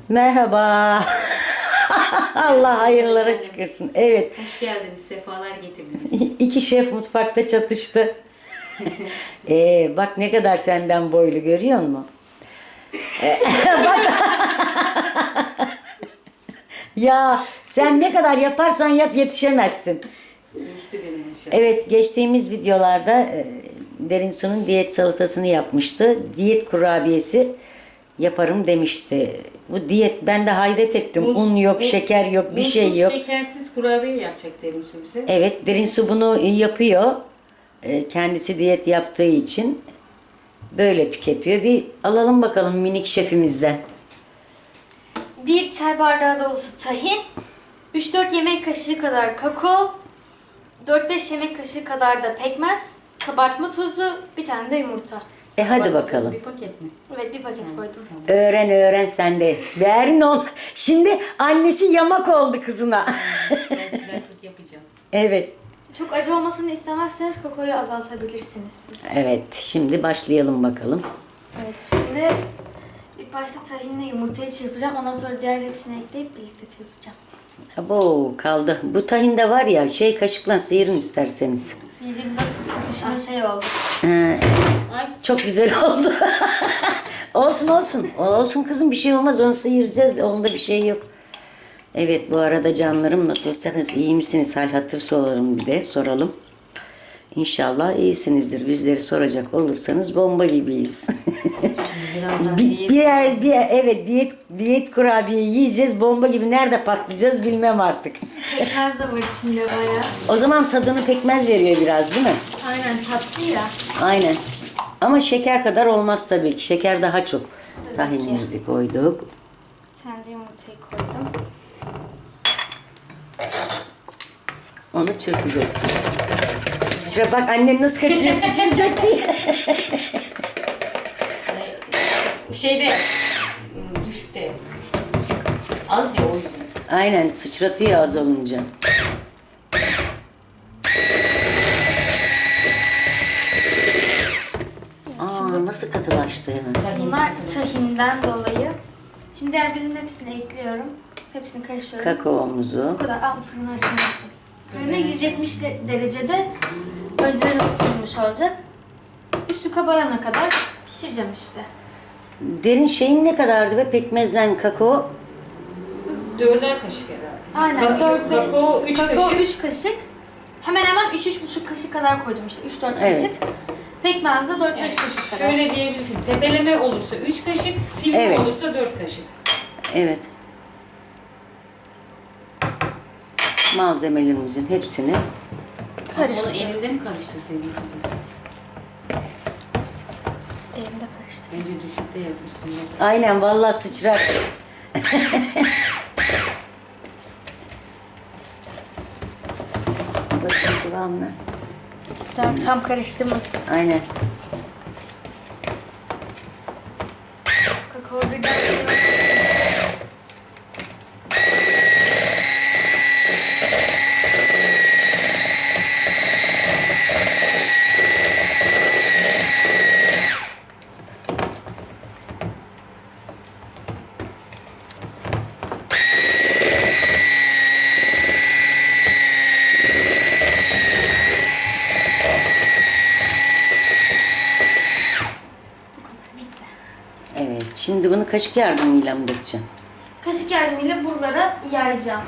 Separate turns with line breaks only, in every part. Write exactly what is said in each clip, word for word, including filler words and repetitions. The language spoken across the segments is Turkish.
Merhaba. Allah hayırlara çıkırsın. Evet.
Hoş geldiniz, sefalar getirdiniz.
İki şef mutfakta çatıştı. ee, bak ne kadar senden boylu görüyor musun? Ee, bak. Ya sen ne kadar yaparsan yap yetişemezsin.
Geçti benim inşallah.
Evet, geçtiğimiz videolarda e, Derin Su'nun diyet salatasını yapmıştı. Diyet kurabiyesi yaparım demişti. Bu diyet, ben de hayret ettim.
Muz-
Un yok,
un-
şeker yok, bir şey
unsuz,
yok.
şekersiz kurabiye yapacak Derin Su bize.
Evet, Derin Su bunu yapıyor. E, Kendisi diyet yaptığı için böyle tüketiyor. Bir alalım bakalım minik şefimizden.
Bir çay bardağı dolusu tahin, üç dört yemek kaşığı kadar kakao, dört beş yemek kaşığı kadar da pekmez, kabartma tozu, bir tane de yumurta.
E hadi
Bak,
bakalım.
Bir paket mi?
Evet, bir paket koydum.
Öğren öğren sen de. Değerin ol. Şimdi annesi yamak oldu kızına.
Ben şiraklık yapacağım.
Evet.
Çok acı olmasını istemezseniz kakaoyu azaltabilirsiniz.
Evet. Şimdi başlayalım bakalım.
Evet, şimdi ilk başta tahinle yumurtayı çırpacağım. Ondan sonra diğer hepsini ekleyip birlikte çırpacağım.
Abo kaldı. Bu tahinde var ya şey kaşıkla sıyırın isterseniz.
Sihirli bak dışına şey oldu.
Ee,
Ay,
çok güzel oldu. Olsun olsun. Olsun kızım bir şey olmaz onu sıyıracağız. Onda bir şey yok. Evet bu arada canlarım nasılsınız? İyi misiniz? Hal hatır soralım bir de soralım. İnşallah iyisinizdir. Bizleri soracak olursanız bomba gibiyiz.
birazdan
bir,
diyet
birer, bir, evet diyet diyet kurabiye yiyeceğiz. Bomba gibi nerede patlayacağız bilmem artık.
Pekmez de var içinde bayağı.
O zaman tadını pekmez veriyor biraz değil mi?
Aynen, tatlı ya.
Aynen. Ama şeker kadar olmaz tabii ki. Şeker daha çok.
Tabii
Tahinimizi koyduk.
Bir tane de yumurtayı koydum.
Onu çırpacaksın. Sıçra bak annen nasıl kaçıyor sıçrayacak diye.
Bu şeyde ım, düşükte. Az ya o yüzden.
Aynen sıçratıyor az olunca. Aa nasıl katılaştı hemen.
Bunlar tahinden dolayı. Şimdi diğer bütün hepsini ekliyorum. Hepsini karıştırıyorum.
Kakaomuzu.
Bu kadar. Aa, fırını açmayı unuttum. Fırını yüz yetmiş de- derecede önceden ısınmış olacak. Üstü kabarana kadar pişireceğim işte.
Derin şeyin ne kadardı be pekmezle kakao?
Dörder kaşık herhalde.
Aynen.
Ka-
dört
kakao üç kaşık.
üç kaşık. Hemen hemen üç üç buçuk kaşık kadar koydum işte. üç dört
Evet.
kaşık. Pekmez de dört beş
Yani
kaşık kadar.
şöyle diyebilirsin. Tepeleme olursa üç kaşık, silme
Evet.
olursa dört kaşık.
Evet. Malzemelerimizin hepsini
Karıştır.
Onu elinde mi karıştırsaydın kızım?
Elimde karıştır.
Bence düşükte yap üstünde.
aynen vallahi sıçrar. Bakın kıvamına.
Tam, tam karıştırmadım.
Aynen.
Kakao birden bitti.
Evet. Şimdi bunu kaşık yardımıyla mı dökeceğim?
Kaşık yardımıyla buralara yayacağım.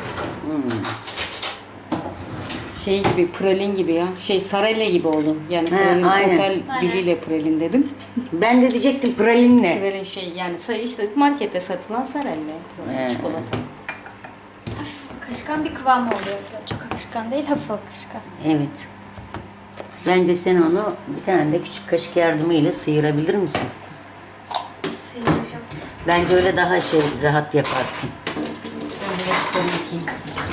Şey gibi, pralin gibi ya. Şey, sarayla gibi oldu. Yani
He,
pralin,
aynen.
otel
Aynen.
diliyle pralin dedim.
Ben de diyecektim pralin ne?
Pralin şey yani say- işte markette satılan sarayla.
He.
Çikolata.
Hafif akışkan bir kıvam oluyor. Çok akışkan değil, hafif akışkan.
Evet. Bence sen onu bir tane de küçük kaşık yardımıyla sıyırabilir misin?
Sıyırıyorum.
Bence öyle daha şey rahat yaparsın.
Ben bulaşıklarını yıkayayım.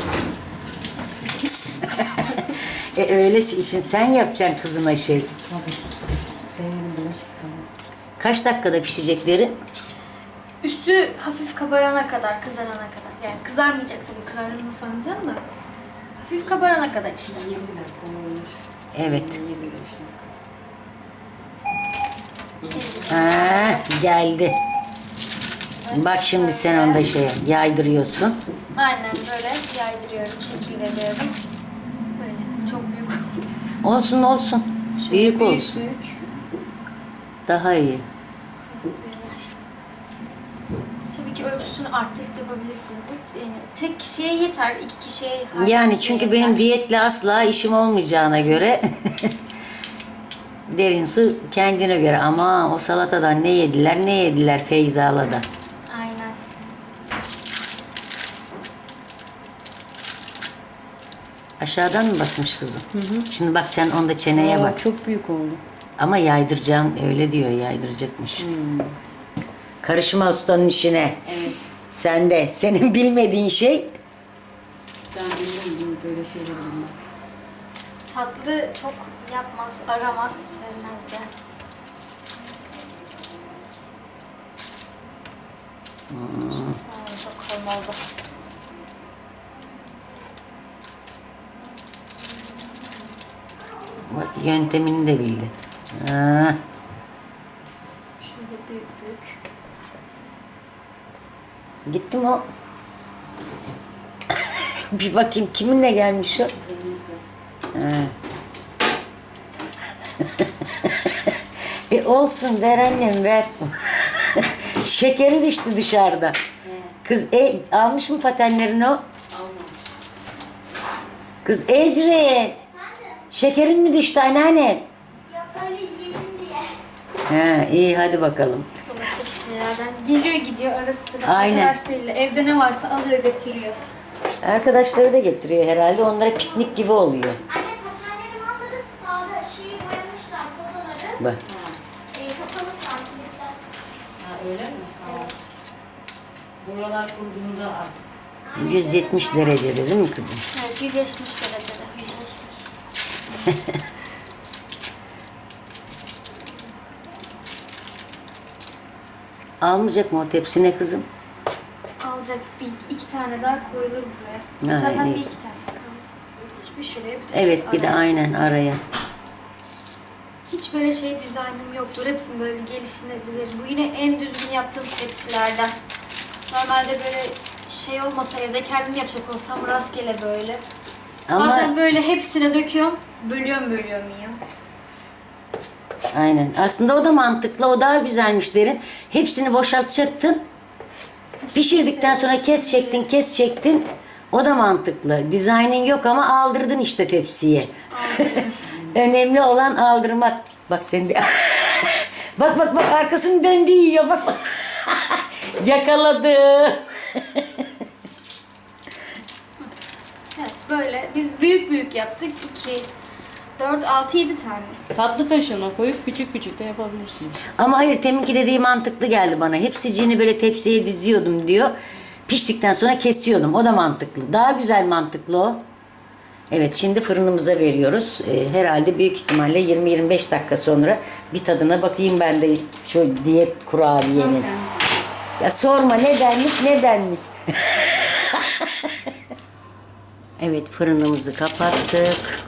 E öyle işin sen yapacaksın kızıma şey.
Tabii. Severim bulaşık yıkamayı.
Kaç dakikada pişecekleri?
Üstü hafif kabarana kadar, kızarana kadar. Yani kızarmayacak tabii, kızardığını sanacaksın da. Hafif kabarana kadar işte.
yirmi dakika olmuş.
Evet.
yirmi beş dakika.
Ha, geldi.
şimdi.
Bak şimdi sen onda şey yaydırıyorsun.
Aynen böyle yaydırıyorum, şekil veriyorum. Böyle çok büyük.
Olsun olsun. Büyük olsun.
Büyük.
Daha iyi.
Tabii ki ölçüsünü arttırıp yapabilirsiniz. Bu yani tek kişiye yeter, iki kişiye her
Yani çünkü
yeter.
benim diyetle asla işim olmayacağına göre derin su kendine göre. Ama o salatadan ne yediler ne yediler Feyza'la da.
Aynen.
Aşağıdan mı basmış kızım? Şimdi bak sen onda çeneye
Aa,
bak.
çok büyük oldu.
Ama yaydıracağım öyle diyor yaydıracakmış. Karışma ustanın işine.
Evet.
Sen de senin bilmediğin şey
Ben bilmiyorum böyle şeyleri bilmem.
Tatlı çok yapmaz, aramaz, sevmez de.
Hmm.
Sağ olun, çok kalın oldu.
bak, yöntemini de bildin. Ha.
Şöyle büyük büyük.
Gitti mi o? Bir bakayım kiminle gelmiş o? Ha. e olsun ver annem ver. Şekeri düştü dışarıda. Kız e, almış mı patenlerini o? Kız Ecri. Şekerin mi düştü anneanne?
Yok öyle yiyelim diye.
Ha iyi hadi bakalım.
Dolaptaki şeylerden geliyor gidiyor ara sıra.
Aynen.
Arkadaşlarıyla evde ne varsa alıyor götürüyor.
Arkadaşları da getiriyor herhalde. Onlara piknik gibi oluyor.
Anne patenlerimi almadık. Sağda şeyi boyamışlar fotoları.
Bak.
E, kapalı santimlikler.
Ha öyle mi? Tamam. Buralar kurduğunda artık.
yüz yetmiş derecede değil mi kızım?
Evet, yüzleşmiş derecede. Yüzleşmiş.
Almayacak mı o tepsine kızım?
Alacak bir iki tane daha koyulur buraya.
Ha,
Zaten
iyi.
bir iki tane kaldı. Bir şuraya bir de
Evet bir de
araya.
aynen araya.
Hiç böyle şey dizaynım yoktur. Hepsini böyle gelişine dizerim. Bu yine en düzgün yaptığım tepsilerden. Normalde böyle şey olmasa evde kendim yapacak olsam rastgele böyle.
Ama
Bazen böyle hepsine döküyorum. Bölüyorum bölüyorum yiyorum.
aynen. Aslında o da mantıklı. O daha güzelmiş derin. Hepsini boşaltacaktın. Pişirdikten sonra kes çektin, kes çektin. O da mantıklı. Dizaynın yok ama aldırdın işte tepsiye. Önemli olan aldırmak. Bak sen de. bak bak bak arkasını döndü yiyor. Bak bak. Yakaladı.
Evet böyle. Biz büyük büyük yaptık. iki, dört, altı, yedi tane.
Tatlı kaşığına koyup küçük küçük de yapabilirsiniz.
Ama hayır teminki dediği mantıklı geldi bana. Hepsiciğini böyle tepsiye diziyordum diyor. Piştikten sonra kesiyordum. O da mantıklı. Daha güzel mantıklı o. Evet şimdi fırınımıza veriyoruz. Ee, herhalde büyük ihtimalle yirmi yirmi beş dakika sonra bir tadına bakayım ben de şu diyet kurabiyenin. Ya sorma ne denlik ne denlik. Evet fırınımızı kapattık.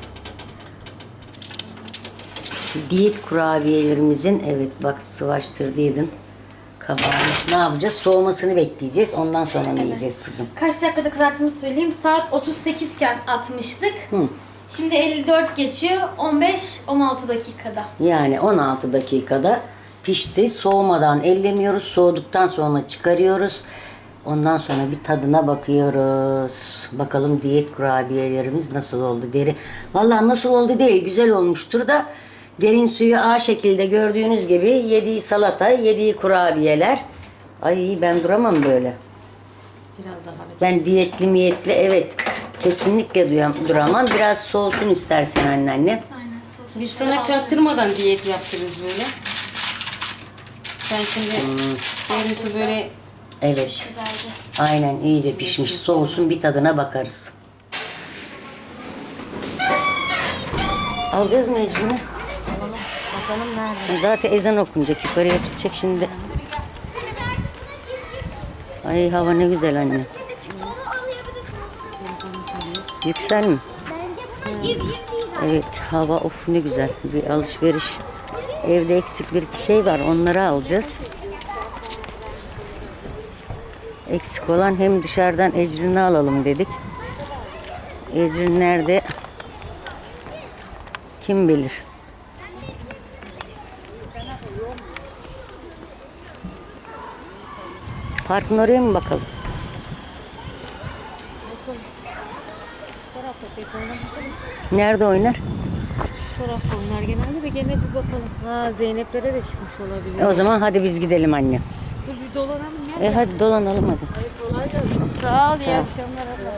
Diyet kurabiyelerimizin evet bak sıvaştırdıydın. Kabarmış. Ne yapacağız? Soğumasını bekleyeceğiz. Ondan sonra ne yiyeceğiz kızım?
Kaç dakikada kızarttığımı söyleyeyim. Saat otuz sekiz iken atmıştık.
Hı.
Şimdi elli dört geçiyor. on beş on altı dakikada.
Yani on altı dakikada pişti. Soğumadan ellemiyoruz. Soğuduktan sonra çıkarıyoruz. Ondan sonra bir tadına bakıyoruz. Bakalım diyet kurabiyelerimiz nasıl oldu deri. Vallahi nasıl oldu değil. Güzel olmuştur da derin suyu A şekilde gördüğünüz gibi yediği salata, yediği kurabiyeler. Ay ben duramam böyle.
Biraz daha.
Ben diyetli miyetli evet kesinlikle duyam, duramam. Biraz soğusun istersen anneanne.
Aynen sosu.
Biz
şöyle
sana
aldım.
çaktırmadan diyet yaptırırız böyle. Sen şimdi derin su böyle
Evet.
Güzelce.
Aynen iyice pişmiş. Soğusun bir tadına bakarız. Alacağız mı Ecrin'i?
bakalım nerede.
Zaten ezan okunacak. Yukarıya çıkacak şimdi. Ay hava ne güzel anne. Yüksel mi?
Bence buna civ civ değil.
Evet hava of ne güzel. Bir alışveriş. Evde eksik bir iki şey var. Onları alacağız. Eksik olan hem dışarıdan Ecrin'i alalım dedik. Ecrin nerede? Kim bilir. Parkın oraya mı bakalım? Nerede oynar?
Şu tarafta onlar genelde de gene bir bakalım. Ha Zeynep'lere de çıkmış olabilir.
E o zaman hadi biz gidelim anne.
Dur bir dolanalım ya.
E hadi dolanalım hadi.
Kolay gelsin. Sağ ol, iyi akşamlar abla.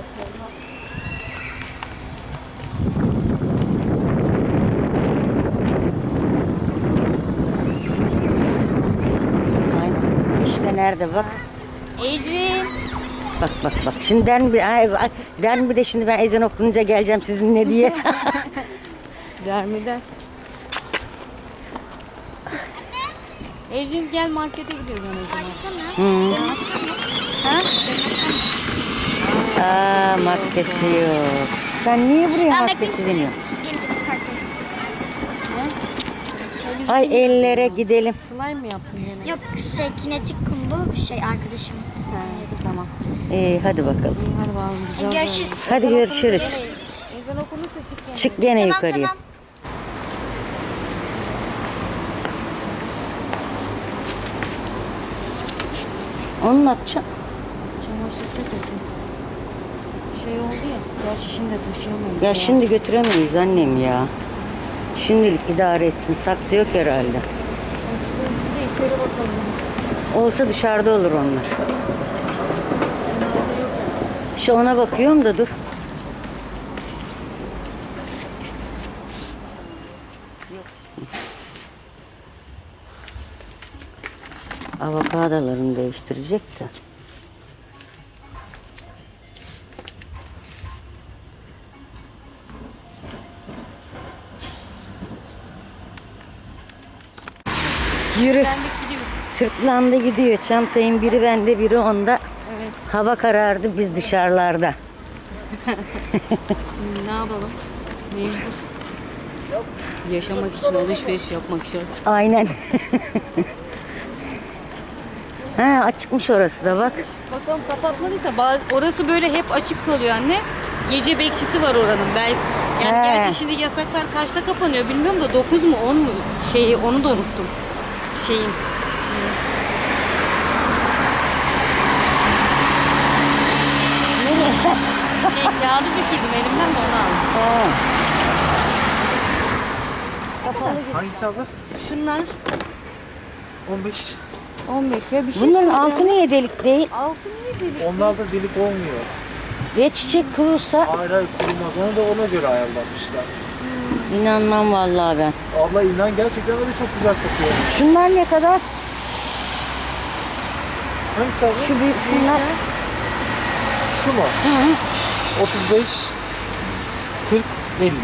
Aynen. İşte nerede bak.
Ecrin.
Bak bak bak. Şimdi den bir, ay, ay, den bir de şimdi ben ezan okununca geleceğim sizinle diye.
Dermiden. Ecrin gel markete gidiyoruz o zaman.
Hı.
Ha?
Aa maskesi yok. Sen niye buraya
Ben
maskesi
bekleyin
deniyorsun?
siz gelince biz parktayız.
Ay ellere gidelim.
Slime mi yaptın gene?
Yok şey kinetik kum bu şey arkadaşım.
Ha, tamam.
İyi hadi bakalım.
İyi hadi bakalım. Güzel.
Görüşürüz.
Hadi görüşürüz.
Ezan okunursa çık gene.
Çık gene
Tamam
yukarıya.
tamam.
Onu ne yapacağım?
Çamaşır sepeti. Şey oldu ya. Gerçi şimdi taşıyamayız.
Ya şimdi götüremeyiz annem ya. Şimdilik idare etsin. Saksı yok herhalde.
Bir de içeri bakalım.
Olsa dışarıda olur onlar. Şu ona bakıyorum da dur. Avokadolarını değiştirecek de. Yürü. Sırtlandı gidiyor. Çantayın biri bende biri onda.
Evet.
Hava karardı biz dışarılarda.
Ne yapalım? Mecbur. Yaşamak için alışveriş yapmak şart.
Aynen. Ha açıkmış orası da bak.
Bakalım kapatmadıysa bazı, orası böyle hep açık kalıyor anne. Gece bekçisi var oranın. Ben yani
He.
gerçi şimdi yasaklar kaçta kapanıyor bilmiyorum da dokuz mu on mu şeyi onu da unuttum. Şeyin. şey kağıdı düşürdüm elimden de onu aldım.
Ha.
Hangisi abla?
Şunlar
on beş.
on beş ya bir şey
Bunların
soracağım.
altı niye delik değil?
Altı niye delik?
Onlarda delik olmuyor.
Ve çiçek kurursa
Hayır hayır kurumaz. Onu da ona göre ayarlamışlar.
inanmam vallahi ben.
Abla inan gerçekten de çok güzel satıyor.
Şunlar ne kadar?
Hangisi abla?
Şu büyük şunlar.
Şu mu? otuz beş, kırk, elli.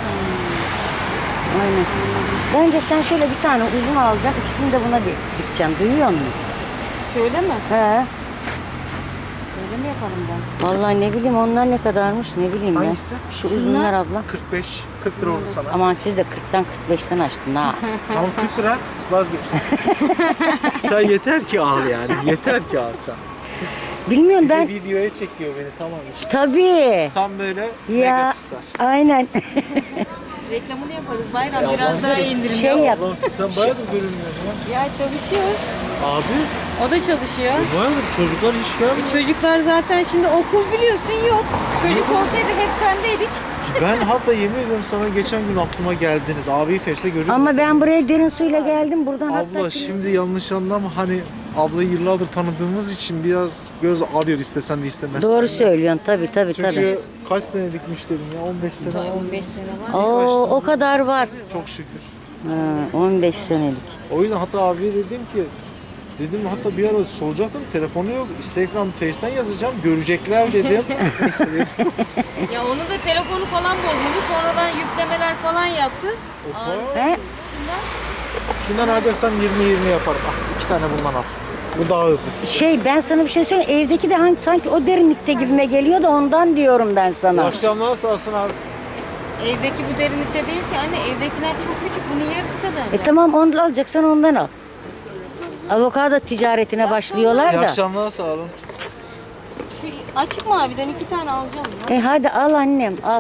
Aynen. Bence sen şöyle bir tane uzun alacaksın. İkisini de buna di- dikeceksin. Duyuyor musun?
Şöyle mi?
He.
Öyle mi yapalım dersin?
Vallahi ne bileyim onlar ne kadarmış ne bileyim ya.
Hangisi?
Şu uzunlar abla.
kırk beş, kırk lira oldu sana.
Aman siz de kırktan kırk beşten açtın ha.
Tamam kırk lira vazgeç. Sen yeter ki al yani. Yeter ki al sen.
Bilmiyorum
Bir
ben.
de videoya çekiyor beni tamam işte.
Tabii.
Tam böyle
Ya
megastar.
aynen.
Reklamını yaparız bayram
Ya
biraz
ablam
daha
sen-
indirim.
Şey yap.
Allah'ım sen bayağıdır görünmüyorsun ya.
Ya çalışıyoruz.
Abi
O da çalışıyor.
bayağıdır çocuklar hiç gelmiyor.
Çocuklar zaten şimdi okul biliyorsun yok. Çocuk olsaydı hep sendeydik.
Ben hatta yemin ediyorum sana geçen gün aklıma geldiniz. Abi Fes'te görüyorum.
Ama ben buraya derin suyla geldim. Buradan
Abla
hatta
şimdi yanlış anlama hani ablayı yıllardır tanıdığımız için biraz göz ağrıyor istesen de istemezsen.
doğru
ya.
söylüyorsun tabii tabii tabii.
Çünkü kaç senelik müşterim ya on beş sene oldu.
on beş sene var.
Oo, o kadar var.
Çok şükür.
Ha, on beş senelik.
O yüzden hatta abiye dedim ki dedim hatta bir ara soracaktım telefonu yok Instagram Face'ten yazacağım görecekler dedim. Neyse dedim.
Ya onun da telefonu falan bozuldu. Sonradan yüklemeler falan yaptı.
Opa.
He?
Şundan
Şundan alacaksan yirmi yirmi yaparım. Ah, iki tane bundan al. Bu daha hızlı.
Şey ben sana bir şey söyleyeyim. Evdeki de hangi, sanki o derinlikte gibime geliyor da ondan diyorum ben
İyi
sana.
akşamlar sağ olsun abi.
evdeki bu derinlikte değil ki anne. Evdekiler çok küçük. Bunun yarısı kadar.
E
ya.
tamam onu alacaksan ondan al. Avokado ticaretine başlıyorlar
İyi
da.
akşamlar sağ olun.
Şu açık maviden iki tane alacağım ya.
E hadi al annem al.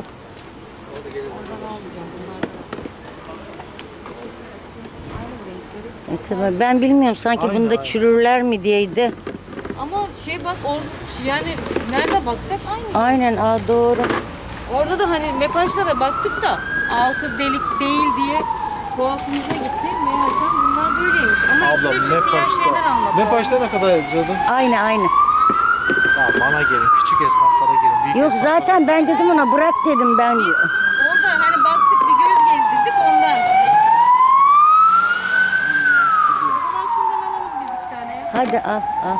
E tabii ben bilmiyorum sanki
Aynen,
bunda
aynen.
çürürler mi diyeydi.
Ama şey bak orada yani nerede baksak aynı.
Aynen aa doğru.
Orada da hani Mepaş'ta da baktık da altı delik değil diye tuhafımıza gitti. Meğersem bunlar böyleymiş. Ama
Abla
içinde şu
ne
siyah şeyler
başta?
almak
Ne
lazım.
başta ne kadar yazıyordun?
Aynı aynı.
Ya bana gelin, küçük esnaflara gelin. Büyük
Yok
esnaflara
zaten ben dedim ona bırak dedim ben.
Orada hani baktık bir göz gezdirdik ondan. O zaman şundan alalım biz iki tane ya.
Hadi al al.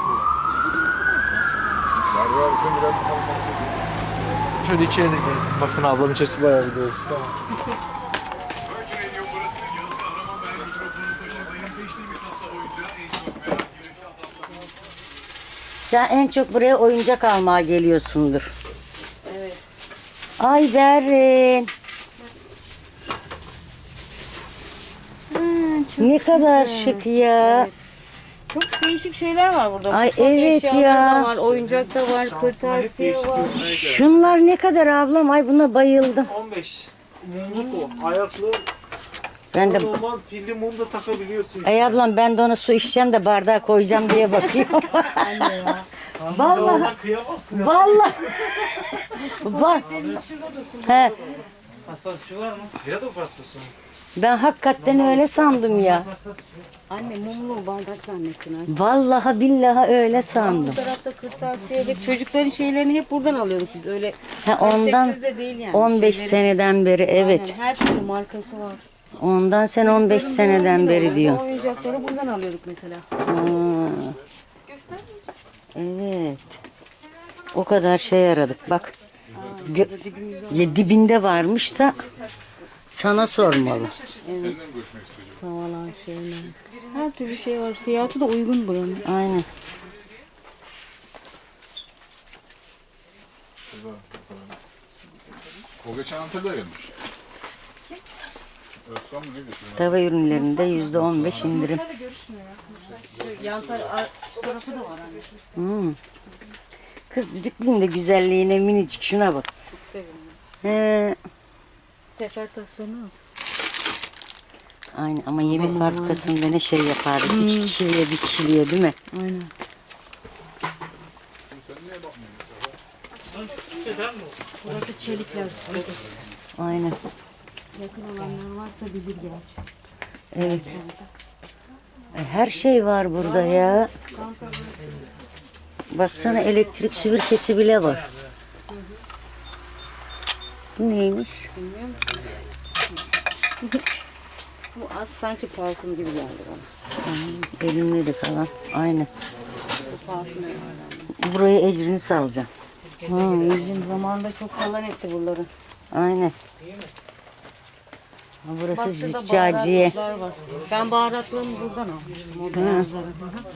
Şöyle içeri de gezin. Bakın ablam içerisi bayağı bir dolu. Tamam.
Sen en çok buraya oyuncak almaya geliyorsundur. Evet. Ay Berrin. Ne kadar şık ya.
Çok değişik şeyler var burada.
Ay,
Mutfak
evet
eşyaları
ya.
da var, oyuncak da var, kırtasiye var.
Şunlar ne kadar ablam? Ay buna bayıldım.
on beş. Mumluk o. Ayaklı.
Ben de
Normal pilli mum da takabiliyorsun.
Ay ablam ben de ona su içeceğim de bardağa koyacağım diye bakıyorum.
Vallahi kıyamazsın. ya.
Vallahi. Bak. He,
Paspasçı var mı? Ya da paspası mı?
ben hakikaten öyle sandım ya.
Anne mumlu bardak zannettin artık.
Vallahi billahi öyle sandım.
Bu tarafta kırtasiye hep çocukların şeylerini hep buradan alıyorduk biz öyle.
Ha, ondan
kalitesiz de değil yani.
on beş
Şeyleri-
seneden beri evet.
Aynen, her türlü markası var.
Ondan sen on beş seneden beri diyor.
Oyuncakları buradan alıyorduk mesela.
Evet. O kadar şey aradık. Bak. Gö- ya dibinde varmış da sana sormalı.
Tavalar şeyler. Her türlü şey var. Fiyatı da uygun buranın.
Aynen.
O geçen Antalya'da gelmiş. Özkan mı ne getiriyor?
Tava ürünlerinde yüzde on beş indirim.
Yan tar- şu tarafı da var anne.
Hmm. Kız düdüklüğün de güzelliğine minicik şuna bak.
Çok sevindim.
He.
Sefer taksonu.
Aynen ama yemek fabrikasında ne şey yapardık. İki kişiliğe bir kişiliğe değil mi?
Aynen. Burası çelikler.
Aynen.
Yakın olanlar varsa bilir gerçi.
Evet. Ay, her şey var burada ya. Baksana elektrik süpürgesi bile var. Bu neymiş?
Bu az sanki parfüm gibi geldi bana.
Elimle de kalan. Aynen.
Bu parfüm herhalde.
Buraya ecrini salacağım.
Hmm, bizim zamanında çok falan etti buraları.
Aynen. Ha, burası
Bak şurada
züccaciye.
baharatlar var. Ben baharatlarımı buradan almıştım. O beyazları.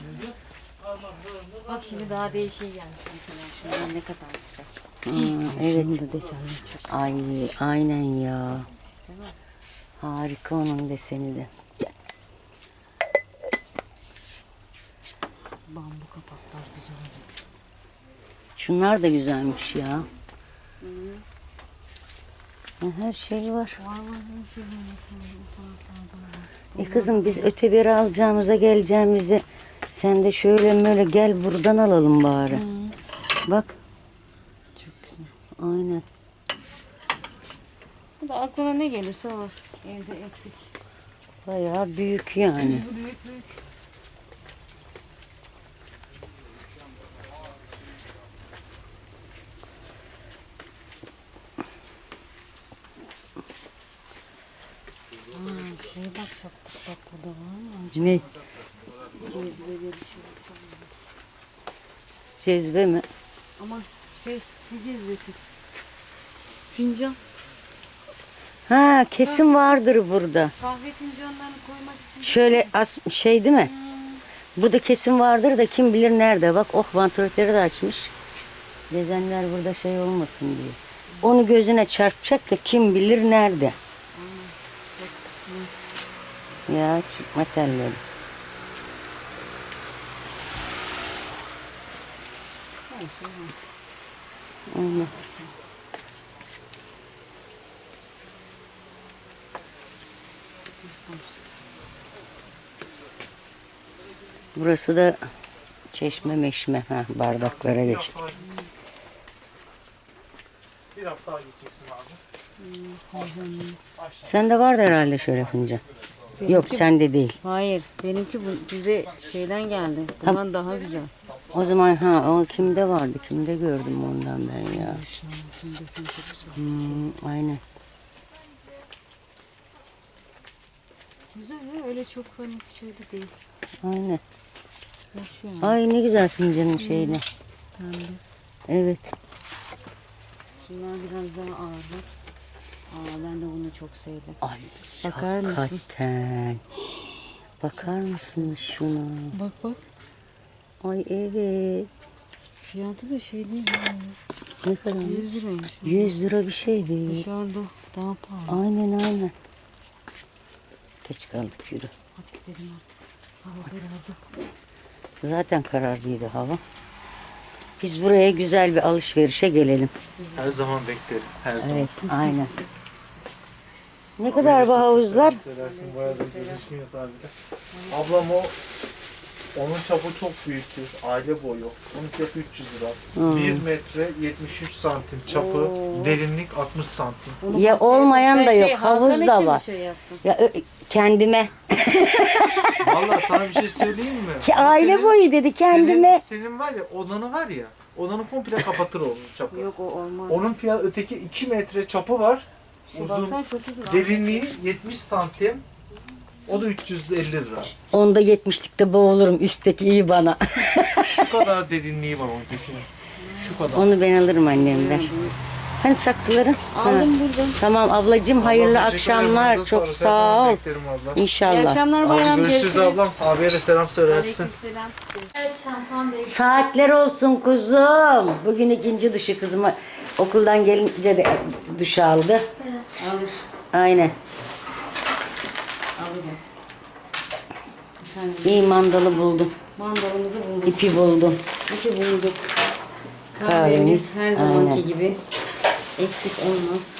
Bak şimdi daha değişik gelmiş mesela. Şunlar ne kadar güzel.
Hmm, evet.
Şimdi desenler çok.
Ay aynen ya. Harika onun deseni de.
Bambu kapaklar güzel.
Şunlar da güzelmiş ya. Ha, her şey var. E kızım biz öte biri alacağımıza geleceğimize sen de şöyle böyle gel buradan alalım bari. Bak.
Çok güzel.
Aynen.
Bu da aklına ne gelirse var. Evde eksik.
Bayağı büyük yani.
Büyük büyük. Ha, şey bakacaktık bak burada var mı?
Ne?
Cezveleri şey.
Cezve mi?
Ama şey ne cezvesi? Fincan.
Ha kesin vardır burada.
Kahve fincanlarını koymak için.
Şöyle as şey değil mi? Bu da kesin vardır da kim bilir nerede. Bak oh vantilatörü de açmış. Dezenler burada şey olmasın diye. Onu gözüne çarpacak da kim bilir nerede. Ya çıkma telleri. Aynen. Burası da çeşme meşme. Ha, bardaklara geçtik.
Bir hafta daha gideceksin abi.
Sende vardı herhalde şöyle fincan. Yok sende değil.
Hayır. Benimki bu bize şeyden geldi. Bundan daha güzel.
O zaman ha o kimde vardı? Kimde gördüm ondan ben ya. Hmm, aynen.
Güzel ya. Öyle çok hani şöyle değil.
Aynen.
Hoş yani.
Ay ne güzel fincanın şeyini. Evet.
Şunlar biraz daha ağırlar. Aa, ben de bunu çok sevdim.
Ay
Bakar mısın?
hakikaten. Bakar mısınız şuna?
Bak bak.
Ay evet.
Fiyatı da şey değil. Yani.
Ne kadar?
yüz liraymış.
yüz lira bir şey değil.
Dışarıda daha pahalı.
Aynen aynen. Geç kaldık yürü.
Hadi gidelim artık. Hava karardı.
Zaten kararlıydı hava. Biz buraya güzel bir alışverişe gelelim.
Her zaman beklerim. Her zaman.
Evet aynen. Ne kadar bu havuzlar?
Seversin bayağı da görüşmüyoruz abi de. Ablam o onun çapı çok büyüktür. Aile boyu. Onun çapı üç yüz lira. bir metre yetmiş üç santim çapı. Derinlik altmış santim.
Ya olmayan da yok.
Şey,
Havuz
Hakan
da
için mi
var.
Şey yaptın?
Ya ö- kendime.
Vallahi sana bir şey söyleyeyim mi?
Ki
O
aile
senin-
boyu dedi kendime.
Senin, senin var ya odanı var ya. Odanı komple kapatır onun çapı.
Yok o olmaz.
Onun fiyat öteki iki metre çapı var.
E,
Uzun.
baksana çok uzun.
Derinliği yetmiş santim. O da üç yüz elli lira.
Onda yetmişlikte boğulurum. Üstteki iyi bana.
Şu kadar derinliği var onun tekinin. Şu kadar.
Onu ben alırım annemden. Hani saksıların?
Aldım burada.
Tamam ablacığım hayırlı
Ablam, teşekkür ederim.
akşamlar.
Elinize
Çok
sağlık. Her
sağ
zaman
ol.
beklerim abla.
İyi
İnşallah.
akşamlar
Abi
bayram.
görüşürüz ablam. Abiye de selam söylersin.
Aleykümselam.
Evet şampuan değil.
Saatler olsun kuzum. Bugün ikinci duşu kızıma okuldan gelince de duş aldı.
Alır.
Aynen.
Alacağım. Efendim,
İyi mandalı buldum.
mandalımızı bulduk.
İpi buldum.
İpi bulduk.
Kahvemiz,
Kahvemiz her zamanki
aynen.
gibi. Eksik olmaz.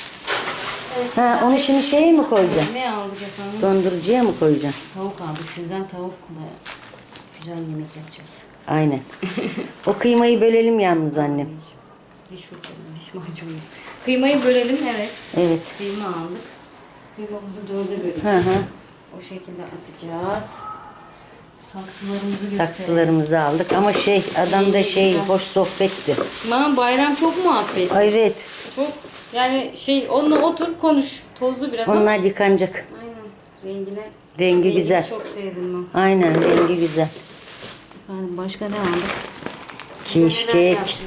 Ha onu şimdi şeye mi koyacaksın?
Ne aldık efendim?
Dondurucuya mı koyacaksın?
Tavuk aldık. Sizden tavuk da güzel yemek yapacağız.
Aynen. O kıymayı bölelim yalnız annem.
Diş fırçamız, diş macunumuz. Kıymayı bölelim, evet.
Evet.
Kıyma aldık. Kıymamızı dörde böleceğiz.
Hı hı.
O şekilde atacağız. Saksılarımızı gösterelim.
Saksılarımızı aldık ama şey adam da şey hoş sohbetti.
Aman bayram çok muhabbet.
Ay, evet.
Çok yani şey onunla otur konuş. Tozlu biraz ama.
Onlar yıkanacak.
Aynen. Rengine.
Rengi
rengini
güzel.
Çok sevdim ben.
Aynen rengi güzel.
Efendim başka ne aldık?
Keşkek.
Neler yapacağız?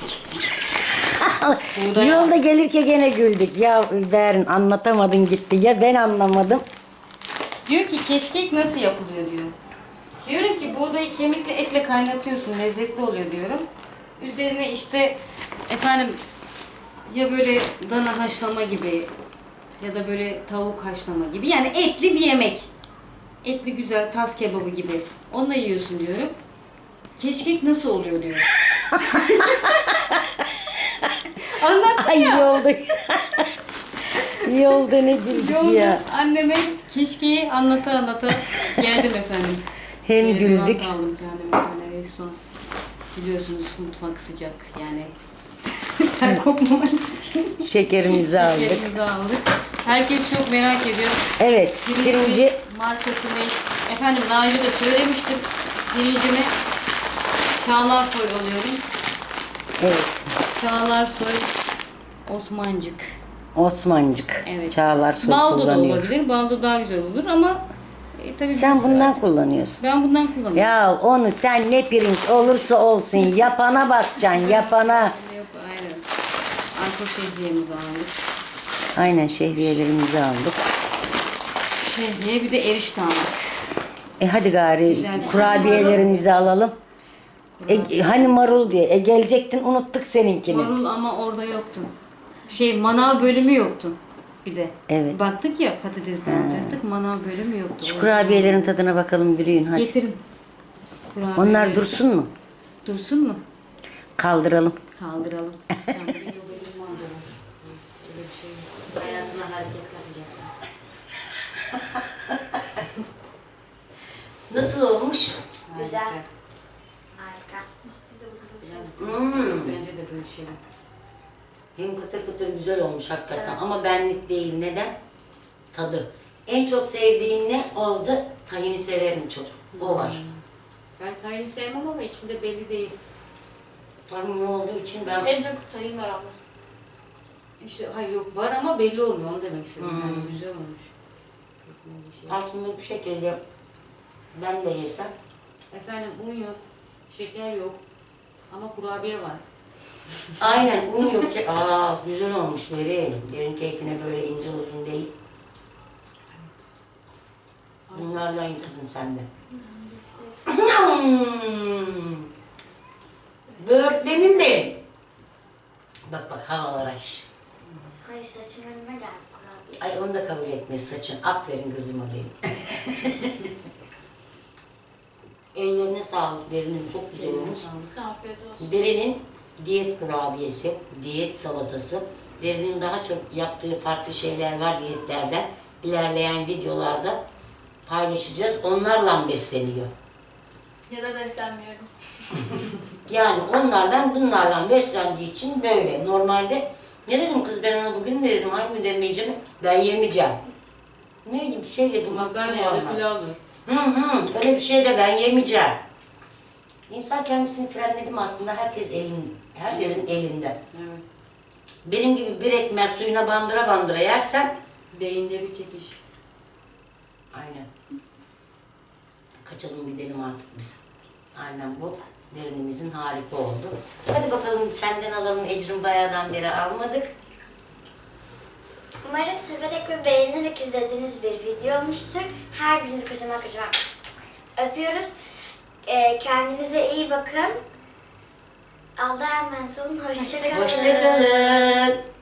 Buğday
Yolda gelirken gene güldük. Ya Berin anlatamadın gitti. Ya ben anlamadım.
Diyor ki keşkek nasıl yapılıyor diyor. Diyorum ki buğdayı kemikle etle kaynatıyorsun lezzetli oluyor diyorum. Üzerine işte efendim ya böyle dana haşlama gibi ya da böyle tavuk haşlama gibi yani etli bir yemek. Etli güzel tas kebabı gibi. Onunla yiyorsun diyorum. Keşkek nasıl oluyor diyor. Anlattım
Ay
ya.
yolda. Yolda ne güldük
Yolda
ya.
anneme keşkeyi anlata anlata geldim efendim.
Hem
Ee,
güldük.
devam aldım kendime bir tane ve son biliyorsunuz mutfak sıcak yani ter kopmamak için
Şekerimizi aldık.
şekerimizi aldık. Herkes çok merak ediyor.
Evet. Birinci
markası ne? Efendim daha önce de söylemiştim. Birincimi Çağlar Soy alıyorum.
evet.
Çağlar Soy Osmancık.
Osmancık.
Evet.
Çağlar Soy
Baldo da
kullanıyor.
olabilir. Baldo daha güzel olur ama e, tabii
Sen
biz
bundan
artık-
kullanıyorsun.
Ben bundan kullanıyorum.
Ya onu sen ne pirinç olursa olsun yapana bakacaksın yapana.
Yok aynen. Arka şehriyemizi aldık.
Aynen şehriyelerimizi aldık.
Şehriye bir de erişte aldık.
E hadi gari
Güzel.
kurabiyelerimizi alalım. E, hani marul diye. E gelecektin unuttuk seninkini.
Marul ama orada yoktu. Şey manav bölümü yoktu bir de.
Evet.
Baktık ya patatesden alacaktık manav bölümü yoktu.
Şu
O
kurabiyelerin tadına bakalım Bürüyün
yüzden-
hadi.
Getirin. Kurabiye.
Onlar dursun mu?
Dursun mu?
Kaldıralım.
Kaldıralım. Tamam, bir yolumuz var. Öyle bir şey yok. Hayatına hareket katacaksın.
Nasıl olmuş?
Güzel.
Harika.
Harika.
Biraz
Hmm.
bence de bölüşelim.
Hem kıtır kıtır güzel olmuş hakikaten ama benlik değil. Neden? Tadı. En çok sevdiğim ne oldu? Tahini severim çok. O var.
Ben tayini sevmem ama içinde belli değil.
Tahinli olduğu için ben...
En çok tahin var ama.
İşte hayır yok var ama belli olmuyor onu demek istedim.
Hmm.
Yani güzel olmuş. Pekmezli şey.
Aslında bu şekilde ben de yesem.
Efendim un yok, şeker yok ama kurabiye var.
Aynen un yok. ki- Aa güzel olmuş derin. Derin keyfine böyle ince uzun değil. Bunlardan iyi kızım sen de. Böğürtlenin de. Bak bak havalar aş.
Hayır saçım önüme geldi kurabiye.
Ay onu da kabul etmez saçın. Aferin kızım alayım. Ellerine sağlık derinin çok güzel olmuş.
Afiyet olsun.
Derinin diyet kurabiyesi, diyet salatası. Derinin daha çok yaptığı farklı şeyler var diyetlerden. İlerleyen videolarda paylaşacağız. Onlarla besleniyor.
Ya da beslenmiyorum.
Yani onlardan bunlarla beslendiği için böyle. Normalde ne dedim kız ben ona bugün mü dedim, hangi gün demeyeceğim, ben yemeyeceğim. Neydi bir şey dedim.
Makarna ya
unuttum
da
vallahi.
pilavdır.
Hı hı, öyle bir şey de ben yemeyeceğim. İnsan kendisini frenledim aslında, herkes elin, herkesin elinde.
Evet.
Benim gibi bir ekmek suyuna bandıra bandıra yersen,
Beyinde bir çekiş.
aynen. Kaçalım gidelim artık biz. Aynen bu. Derinimizin harika oldu. Hadi bakalım senden alalım, Ecrin bayağıdan beri almadık.
Umarım severek ve beğenerek izlediğiniz bir video olmuştur. Her birinizi kocaman kocaman öpüyoruz. Ee, kendinize iyi bakın. Allah'a emanet olun. Hoşça kalın.
Hoşçakalın.